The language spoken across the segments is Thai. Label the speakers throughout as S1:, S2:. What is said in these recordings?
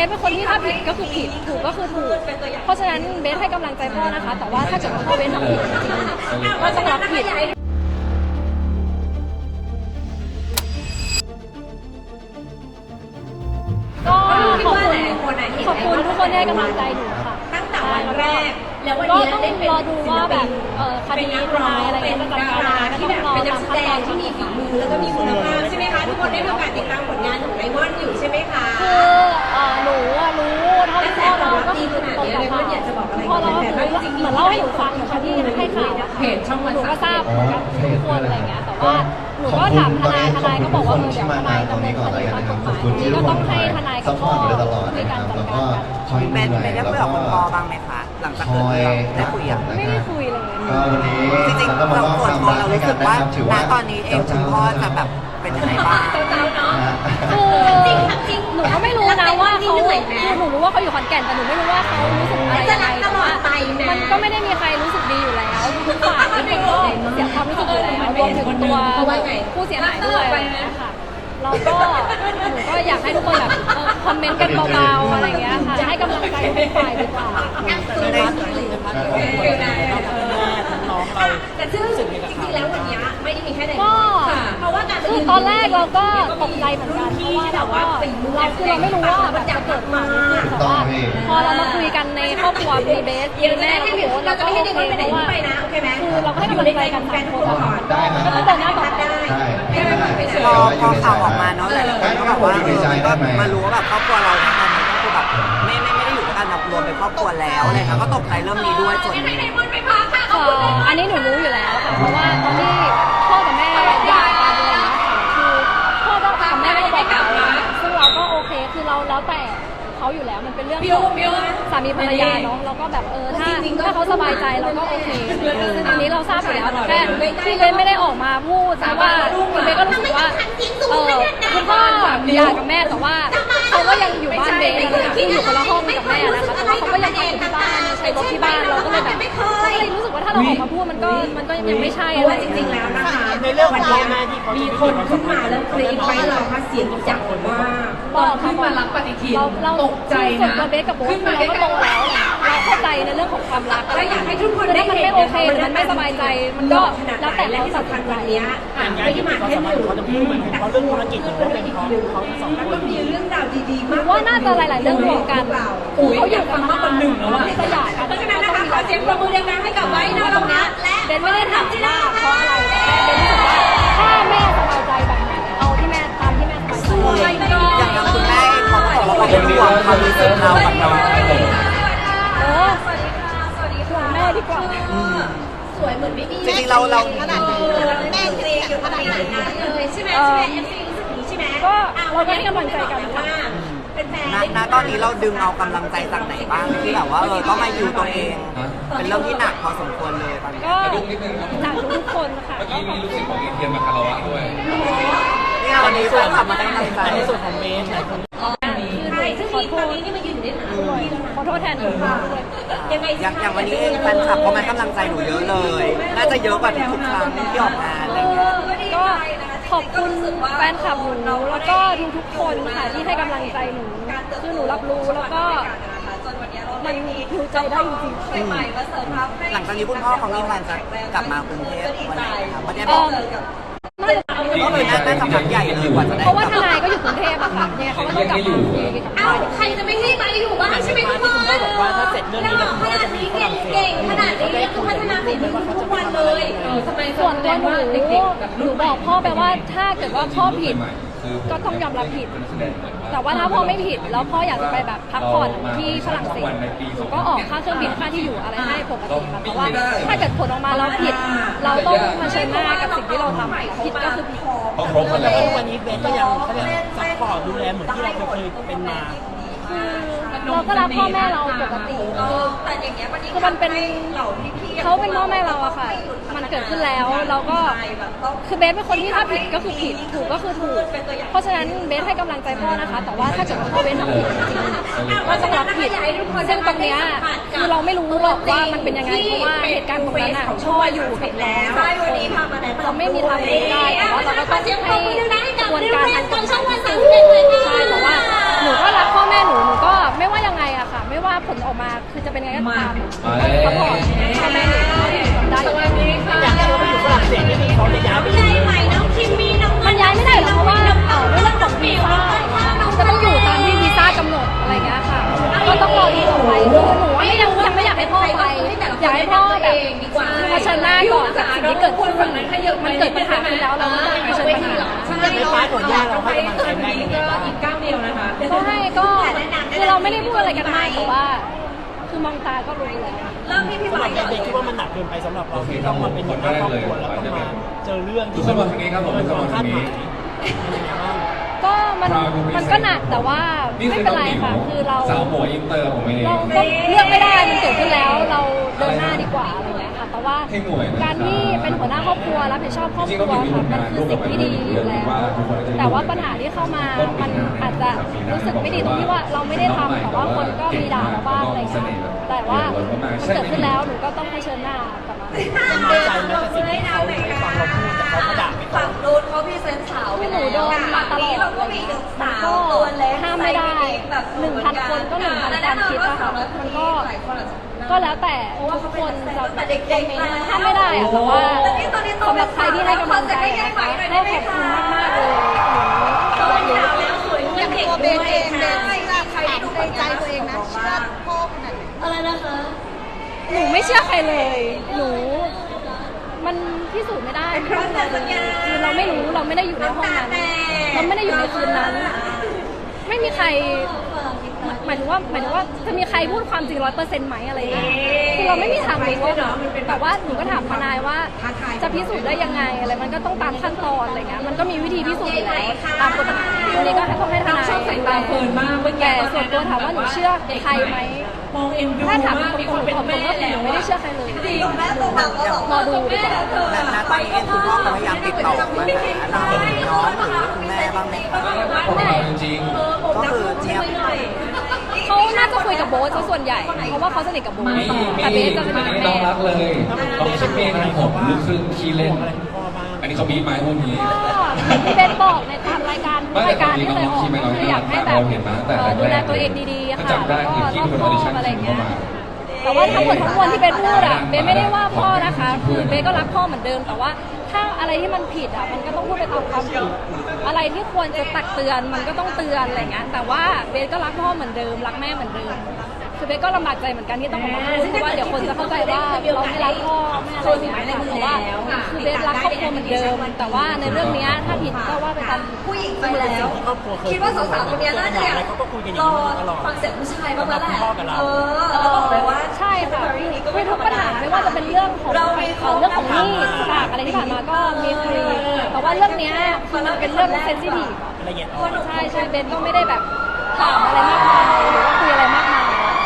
S1: สเป็นคนที่ถ้าผิดก็คือผิดถูกก็คือถูกเพราะฉะนั้นเบสให้กำลังใจพ่อนะคะแต่ว่าถ้าเกิดพ่อเบสทำผิดจริงๆก็ต้องรับผิดก็ขอบคุณทุกคนที่ให้กำลังใจหนูค่ะ
S2: ตั้งแต่วันแรกแล้ววัน
S1: ก็
S2: นี้
S1: ต้อง
S2: ได้เป็น
S1: รอดูว่าแบบคดีทนายอะไรเงี้ยจะจัดการยังไงก็
S2: ที่
S1: ต้
S2: แบ
S1: องรอ
S2: บเป็นนั
S1: ตาก ม
S2: แส
S1: ขั้น
S2: ด
S1: ตอง น
S2: ที่มีฝีมือแล้วก็มีคุณภาพใช่ไหมคะทุกคนได้มีโอกาสติดตามผลงานของไดมอนด์อยู่ใช่ไหมคะ
S1: คือหนูรู้เท่าที่พ่อเราก็คือตรงกับพ่อเราเหมือนเล่าให้หนูฟังเหมือนที่ให้ข่าวเพจช่องวันหนูก็ทราบเหมือนกันทุกคนอะไรเงี้ยแต่ว่าหนูก็ถามทนายก็บอกว่าเดี๋ยวทนายดำเนินคดีตามกฎหมายนี่ก็ต้องให้ทนายกับพ่อในการจัดการกัน
S3: เป็นได้คุยกับคุณพ่อบ้างไหมคะหลังจากเกิดเรื่องได้คุยอ่ะ
S1: ไม่ได้คุยเลย
S4: ก็วันนี้
S3: จริงๆเราส่วนตัวเรารู้สึกว่าณตอนนี้เองคุณพ่อจะแบบเป็นยังไงบ้าง
S1: คือจริงหนูก็ไม่รู้นะว่าเขาหนูรู้ว่าเขาอยู่ขอนแก่นแต่หนูไม่รู้ว่าเขารู้สึกอะไรยังไงแต่ว่ามันก็ไม่ได้มีใครรู้สึกดีอยู่แล้วทุกฝ่ายทุกคนก็เสียความรู้สึกอยู่แล้วรวมถึงตัวผู้เสียหายด้วยอะไรอย่างเงี้ยค่ะเราก็หนูก็อยากให้ทุกคนแบบคอมเมนต์กันเบาๆอะไรอย่างเงี้ยค่ะให้กำลังใจทุกฝ่ายดีกว่า
S2: แต่ซึ่งจริงๆแล้ววันนี้ไม่ได้มีแค่ไดมอนด์เพราะว่าการ
S1: คือตอนแรกเราก็ตกใจเหมือนกันเพราะว่าเราคือเราไม่รู้ว่ามันจะเกิดมาแต่ว่าพอเรามาคุยกันในครอบครัวมีเบสมีแม่เราโค้ชเราก็โอเคเพราะว่าคือเราก็ให้กำลังใจกันสามคนก็ต้องเดินหน้าต่อไป
S3: พอข่าวออกมาเนาะหลายคนก็แบบว่าก็มารู้ว่าแบบครอบครัวเราตอนนี้ก็คือแบบไม่ได้อยู่ด้วยกันแบบรวมเป็นครอบครัวแล้วอะไรค่ะก็ตกใจเรื่องนี้ด้วยส่วนนึง
S1: อันนี้หนูรู้อยู่แล้วค่ะเพราะว่าตอนที่พ่อกับแม่หย่ากันอะไรอย่างเงี้ยค่ะคือพ่อกับแม่ก็บอกเราซึ่งเราก็โอเคคือเราแล้วแต่เขาอยู่แล้วมันเป็นเรื่องของสามีภรรยาเนาะเราก็แบบถ้าเขาสบายใจเราก็โอเคอันนี้เราทราบอยู่แล้วแค่พี่เบนไม่ได้ออกมาพูดแต่ว่าพี่เบนก็รู้สึกว่าคุณพ่อหย่ากับแม่แต่ว่าเขาก็ยังอยู่บ้านเบนที่อยู่คนละห้องกับแม่นะคะแต่ว่าเขาก็ยังอยู่ที่บ้านใช้รถที่บ้านเราก็เลยแบบรู้สึกว่าถ้าเราออกมาพูดมันก็ยังไม่ใช่อะไร
S2: จริงๆแล้วนะคะในเรื่องวันนี้มีคนขึ้นมาแล้วกรี๊ดไปเราค่ะเสียงจากว่าตอนขึ้นมารับปฏิทินตกใจนะ
S1: เบสกับโบ๊ทเราก็โตแล้วเราเข้าใจในเรื่องของความรัก
S2: และอยากให้ทุกคนได้
S1: มันไม่โอเคมันไม่สบายใจมันก็แล้วแต่เราตัดสินใจ
S2: นี้ไม่ได้มาแค่หนึ่งเขาเรื่องธุรกิจเขาเป็นเพราะเขาสองคนแล้วก็มีเรื่องราวดีๆมาก
S1: ว่าน่าจะหลายๆเรื่องรวมกันเขาอยู่กันมากกว่าหนึ่งแล้วที่จะหย่ากัน
S2: เพราะฉะนั้นนะคะขอเสียงปรบมือดังๆให้กับไว้นะตรงนี้และ
S1: เบนไม่ได้ถามว่าเพราะอะไรเบนรู้สึกว่าถ้าแม่สบายใจแบบไหนเอาที่แม่ตามที่แม่สบายใจ
S3: อย่างคุณแม่เขาบอกว่าเขาเป็นห่วงความรู้สึกเรากับน้อง
S2: สวัสดีค่ะสวัสดีค่ะ
S1: แม่ดีกว่า
S2: สวยเหมือนไม่มี
S3: จริงๆเรา
S2: ขนาดแม่เกรงอยู่ขนาดนั้นเลยใช่ไหมใช่ไหมเอฟซีรู้สึกนี้ใช่ไหม
S1: ก็เราก็ให้กำลังใจกัน
S2: ว่าเป็นแฟน
S3: ณตอนนี้เราดึงเอากำลังใจจากไหนบ้างที่แบบว่าต้องมาอยู่ตัวเองเป็นเรื่องที่หนักพอสมควรเลยตอนนี้
S1: ก็จากทุกคนค่ะ
S4: ก็มีลูกศิษย์ของเทียมมาคารวะด้วย
S3: นี่วันนี้ส่วนขับมาได้กำลังใจในส่วนของเมน
S2: ใช่ซึ่งตอนนี้นี่มายืนอยู่ในหนัง
S1: ขอโทษแทนทุกคนด้วย
S2: ยังไง
S3: อย่างวันนี้เองแฟนคลับเขามากำลังใจหนูเยอะเลยน่าจะเยอะกว่าทุกครั้งที่ออกงานอะไรเงี้ย
S1: ก็ขอบคุณแฟนคลับหนูแล้วก็ทุกคนค่ะที่ให้กำลังใจหนูคือหนูรับรู้แล้วก็มันหิวใจได้จริง
S3: ๆหลังจากนี้คุณพ่อเขามีแผนจะกลับมากรุงเทพวันไหนครับไม่ได้บอกก็เลยน่าจะพักใหญ่เลยกว่าจะได้
S1: เพราะว่าทนายก็อยู่กรุงเทพอะค่ะเนี่ยเขาก็ต้องกลับมา
S2: ใครจะไม่ให้ไปอยู่บ้านใช่ไหมทุกคน
S5: บอกว่าถ้าเสร็จเรื่องนี้แล้วคุณพ่อจะมีฝรั่งเศส
S2: ขนาดนี้คือพัฒนาฝีมือทุกวันเลย
S1: ทำไมส่วนตัวหนูบอกพ่อไปว่าถ้าเกิดว่าพ่อผิดก็ต้องยอมรับผิดแต่ว่าถ้าพ่อไม่ผิดแล้วพ่ออยากจะไปแบบพักผ่อนที่ฝรั่งเศสก็ออกค่าเครื่องบินค่าที่อยู่อะไรให้ปกติค่ะแต่ว่าถ้าเกิดผลออกมาแล้วผิดเราต้องมาเชิญหน้ากับสิ่งที่เราทำผิดก็คือผิด
S4: ต้องครบกันแล้ว
S5: วันนี้เบนก็ยังซัพพอร์ตดูแลเหมือนที่เราเคยเป็นมา
S1: เราก็รักพ่อแม่เราปกติคือมันเป็นเขาเป็นพ่อแม่เราอะค่ะมันเกิดขึ้นแล้วเราก็คือเบสเป็นคนที่ถ้าผิดก็คือผิดถูกก็คือถูกเพราะฉะนั้นเบสให้กำลังใจพ่อนะคะแต่ว่าถ้าเกิดพ่อเบสทำผิดจริงๆก็ต้องรับผิดซึ่งตรงเนี้ยคือเราไม่รู้หรอกว่ามันเป็นยังไงเพราะว่าเหตุการณ์ตรงนั้นอะพ่ออยู่กับเราเราไม่มีทางรู้ได้แต่ว่าเราก็ต้องให้กระบวนการทางกฎหมายใช่แต่ว่าหนูก็รักพ่อแม่หนูก็มา
S4: มาแล้ว
S1: เขาบอกพ่อแม่หนูได้
S2: สวัสดีค่ะ
S5: อยากให้เขาไปอยู่ฝรั่งเศสนี่คือเขาจะย้ายไปอยู่เลย
S1: มันย้ายไม่ได้หรอกเพราะว่าเรื่องของวีซ่าจะต้องอยู่ตามที่วีซ่ากำหนดอะไรเงี้ยค่ะก็ต้องรอดูต่อไปคือหนูว่ายังไม่อยากให้พ่อไปอยากให้พ่อแบบเผชิญหน้าก่อนกับสิ่งที่เกิดขึ้นมันเกิดปัญหาขึ้นแล้วเราก็ต้องเผชิญปัญหา
S5: ในพาร์ทของญาติเราให้กำลังใจแม่ยังไงบ้าง
S2: อีกก้าวเดียวนะคะ
S1: ก็ให้ก็คือเราไม่ได้พูดอะไรกันมากแต่ว่า คือมองตาก็รู้แล้ว
S2: เริ่มที่พี่
S5: สำห
S2: ไบ
S5: รับ
S2: ร์ท
S5: เด็กๆคิดว่ามันหนักเกินไปสำหรับเราที่ต้องมาเป็นหัวหน้าครอบครัวแล้วต้องมาเจอเรื่อง
S4: ทุกคนมาทางนี้ครับผมทุกคนมาทางนี้
S1: ก็มันก็หนักแต่ว่า
S4: นี่
S1: ไม่
S4: คือ
S1: เป็น
S4: น้อง
S1: ไร
S4: หมิว
S1: ค่ะคือเรา
S4: สาวหัวอินเตอร์ผมเอง
S1: เราก็เลือกไม่ได้มันเกิดขึ้นแล้วเราเดินหน้าดีกว่าอะไรเงี้ยค่ะแต่ว่า
S4: ให้หน่วยนะ
S1: การที่เป็นหัวหน้าครอบครัวรับผิดชอบครอบครัวค่ะมันคือสิ่งที่ดีอยู่แล้วแต่ว่าปัญหาที่เข้ามามันอาจจะรู้สึกไม่ดีตรงที่ว่าเราไม่ได้ทำแต่ว่าคนก็มีด่าเราบ้างอะไรเงี้ยแต่ว่ามันเกิดขึ้นแล้วหนูก็ต้องเผชิญหน้ากับมัน
S5: น้อยใจไหมกับสิ่งที่เขาไม่ฟังเราพูดแต่เขาก็ด่าไปก่อน
S6: ฝั่งนู้นเขาพรีเซนต์สาว
S1: ที่หนูโดนมาตลอด
S6: เราก็มีหนึ่งสาวตัวเล็ก
S1: ห้ามไม่ได้ 1,000 คนก็1,000ความคิดนะคะมันก็แล้วแต่ทุกคนจะคอมเมนต์ห้ามไม่ได้อะแต่ว่าสำหรับใครที่ให้กำลังใจนะคะก็ขอบคุณมากๆเลย
S6: อย่างตัวเบนเองเบนใครดูในใจตัวเองนะเชื่อพ่อขนาดไหนอะไรนะคะ
S1: หนูไม่เชื่อใครเลย หนู มันพิสูจน์ไม่ได้คือเราไม่รู้เราไม่ได้อยู่ในห้องนั้นเราไม่ได้อยู่ในคืนนั้น ไม่มีใครหมายถึงว่าจะมีใครพูดความจริง100%ไหมอะไรอย่างเงี้ยคือเราไม่มีทางรู้ว่าแต่ว่าหนูก็ถามทนายว่าจะพิสูจน์ได้ยังไงอะไรมันก็ต้องตามขั้นตอนอะไรเงี้ยมันก็มีวิธีพิสูจน์อยู่แล้วตามกฎหมายอันนี้ก็ต้องให้ทนาย
S2: ชอบสายตาเพลินมากเมื่อกี้
S1: แต่ส่วนตัวถามว่าหนูเชื่อใครไหม
S2: มองเอ็นดู
S1: ถ้าถาม
S2: มาก
S1: ตรงๆหนูบอกตรงว่าหนูไม่ได้เชื่อใครเลย
S6: แม่ตัวแบบก็บอก
S1: รอดูดีกว่า
S3: และณตอนนี้เองคุณพ่อก็พยายามติดต่อมาหาเราน้องหรือคุณแม่บ้างไหมคะ
S4: ผมเอาจริง
S3: ก็คือเทียบ
S1: เขาน่าจะคุยกับโบ๊ทซะส่วนใหญ่ เพราะว่าเขาสนิทกับโบ๊ท
S4: ๆมี
S1: แต่เบสจะสนิทกับ
S4: น้
S1: แม่
S4: องรักเลยน้องชิปปี้นะครับผมลูกครึ่งขี้เล่น
S5: อะไรคุณพ่อบ้าง
S4: อันนี้เขาบีบมาให้พวกนี้
S1: ก็ที่เบสบอกในตามรายการทุกรายการที่เคยออกคืออยากให้แบบดูแลตัวเองดีๆค่ะแล้วก็รอบคอบอะไรอย่างเงี้ยแต่ว่าทั้งหมดทั้งมวลที่เบสพูดอะเบสไม่ได้ว่าพ่อนะคะคือเบสก็รักพ่อเหมือนเดิมแต่ว่าถ้าอะไรที่มันผิดอะมันก็ต้องพูดไปตามความผิดอะไรที่ควรจะตักเตือนมันก็ต้องเตือนอะไรเงี้ยแต่ว่าเบสก็รักพ่อเหมือนเดิมรักแม่เหมือนเดิมคือเบสก็ลำบากใจเหมือนกันที่ต้องออกมาพูดเพราะว่าเดี๋ยวคนจะเข้าใจว่าเราไม่รักพ่อแม่อะไรอย่างเงี้ยแต่ว่าคือเบสรักครอบครัวเหมือนเดิมแต่ว่าในเรื่องเนี้ยถ้าผิดก็ว่าไปตาม
S6: ผู้หญิงไปแล้ว
S5: ครอบครัวเคย
S6: คิดว่าสาวๆคนนี้น่าจะ
S5: อะไรเขาก็คุยกันอย่าง
S6: รอ
S5: นี้มาตลอด
S6: ฟังเสียงผู้ชายบ้างแล้วแหละ
S5: คุณพ่อกับเรา
S6: แล้วบอกเลยว่า
S1: ใช่ค่ะคุยทุกปัญหาไม่ว่าจะเป็นเรื่องของเรื่องของหนี้ฝากอะไรที่ผ่านมาก็มีคุยแต่ว่าเรื่องเนี้ยคือมันเป็นเรื่องเซนซิทีฟ
S5: อะไรเงี้ย
S1: ใช่เบนก็ไม่ได้แบบถามอะไรมากมายหรือว่าคุยอะไรมากมาย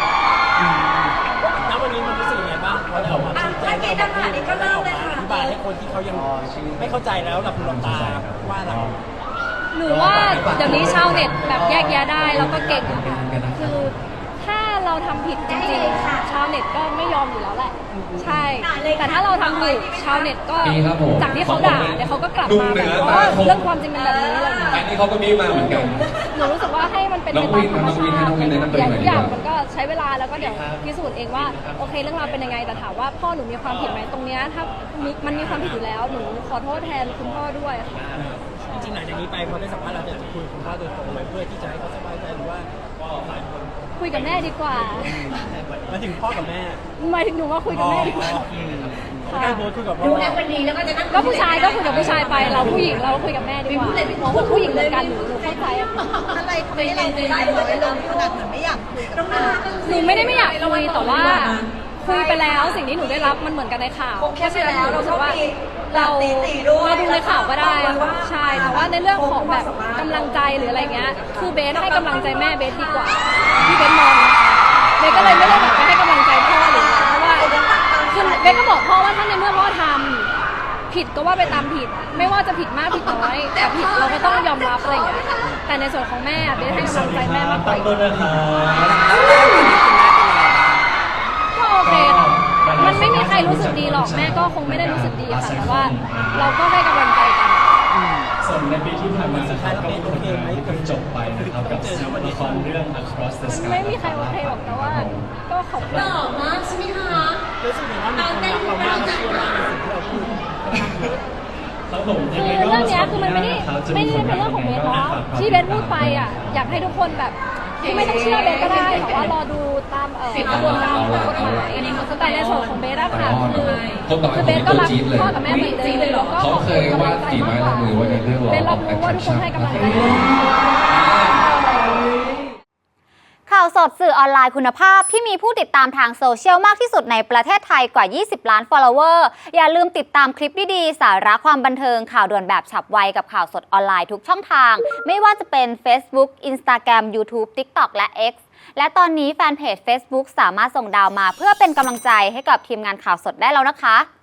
S5: แล้ววันนี้มันรู้สึกยังไงบ้างพอได้ออกมาชี้แจงได้ออกมาพูดได้ออกมาอธิบายให้คนที่เขายังไม่เข้าใจแล้วหลับหูหลับตาว่าเรา
S1: หนูว่าเดี๋ยวนี้ชาวเน็ตแบบแยกแยะได้แล้วก็เก่งคือถ้าเราทำผิดจริงๆชาวเน็ตก็ไม่ยอมอยู่แล้วแหละ ใช่ แต่ถ้าเราทำถูกชาวเน็ตก็จากที่เขาด่าเดี๋ยวเขาก็กลับมาแบบว่าเรื่องความจริงเป็นแบบนี้อะไรอย่างเงี้ย
S4: อันนี้เขาก็บีบมาเหมือนกัน
S1: หนูรู้สึกว่าให้มันเป็นไปตามธรรมชาติอย่างทุกอย่างมันก็ใช้เวลาแล้วก็เดี๋ยวพิสูจน์เองว่าโอเคเรื่องราวเป็นยังไงแต่ถามว่าพ่อหนูมีความผิดไหมตรงเนี้ยถ้ามันมีความผิดอยู่แล้วหนูขอโทษแทนคุณพ่อด้วยค่ะ
S5: จริงๆหลังจากนี้ไปพอได้สัมภาษณ์เราจะคุยกับคุณพ่อโดยตรงเลยเพื่อที่จะให้เขาสบายใจหรือว่า
S1: คุยกับแม่ดีกว่า
S5: มาถึงพ่อกับแม่
S1: หมายถึงหนูว่าคุยกับแม่ดีกว่า
S5: การโพสต์คุยกับพ่อ
S2: ดูแลเป็นดีแล้วก็จะนั่ง
S1: ก็ผู้ชายก็คุยกับผู้ชายไปเราผู้หญิงเราก็คุยกับแม่ดีกว่าหมอผู้หญิงเหมือนกันหนูเข้าใจ
S6: อะไรทำให้เราใจร้อยลงขนาดเหมือนไม่อยากคุยกับแม่
S1: หนูไม่ได้ไม่อยากคุยแต่ว่าคุยไปแล้วสิ่งที่หนูได้รับมันเหมือนกันในข่าวเพราะฉะนั้นหนูรู้สึกว่าเราดูในข่าวก็ได้ใช่แต่ว่าในเรื่องของแบบกำลังใจหรืออะไรเงี้ยคือเบสให้กำลังใจแม่เบสดีกว่าที่เบสมองเบสก็เลยไม่ได้แบบไปให้กำลังใจพ่อหรือเพราะว่าคือเบสก็บอกพ่อว่าถ้าในเมื่อพ่อทำผิดก็ว่าไปตามผิด ไม่ว่าจะผิดมากผิดน้อยแต่ผิดเราก็ต้องยอมรับอะไรอย่างเงี้ยแต่ในส่วนของแม่เบสให้กำลังใจแม่มากกว่าก็โอเคค่ะมันไม่มีใครรู้สึกดีหรอกแม่ก็คงไม่ได้รู้สึกดีค่ะแต่ว่าเราก็ให้กำลังใจกัน
S4: ส่วนในปีที่ผ่านมานะครับก็มีผลงานที่เพิ่งจบไปนะครับกับละครเรื่อง Across the
S1: มัน
S4: Sky
S1: ไม่มีใครโอเคหรอกแต่ว่าก็ขอบคุณ
S2: มากใช่ไหมคะ
S5: รู้สึกว่ามีคนรักเรามากและเชื่อมั่นในสิ่งที่เราพูด
S4: ครับผม
S1: คื
S4: ยัง
S1: อ
S4: ไงก็
S1: เรื่องเนี้ยคือมันไม่ได้เป็นเรื่องของเบสเนาะที่เบสพูดไปอ่ะอยากให้ทุกคนแบบที่ไม่ต้องเชื่อเบสก็ได้แต่ว่ารอดูตามกระบวนการของกฎหมายแต่ในส่วนของเบสอะค่ะคือเบสก็รักพ่อกับแม่เหมือนเดิมแล้วก็
S4: เขาเคยวาดฝีไม้ลายมือไว้ในเรื่อง
S1: เบส
S4: Law
S1: รั
S4: of
S1: บรู้ว่าทุกคน
S4: Attraction
S1: ให้กำลังใจ
S7: ข่าวสดสื่อออนไลน์คุณภาพที่มีผู้ติดตามทางโซเชียลมากที่สุดในประเทศไทยกว่า 20 ล้าน follower อย่าลืมติดตามคลิปดีๆ สาระความบันเทิงข่าวด่วนแบบฉับไวกับข่าวสดออนไลน์ทุกช่องทาง ไม่ว่าจะเป็น Facebook Instagram YouTube TikTok และ X และตอนนี้แฟนเพจ Facebook สามารถส่งดาวมาเพื่อเป็นกำลังใจให้กับทีมงานข่าวสดได้แล้วนะคะ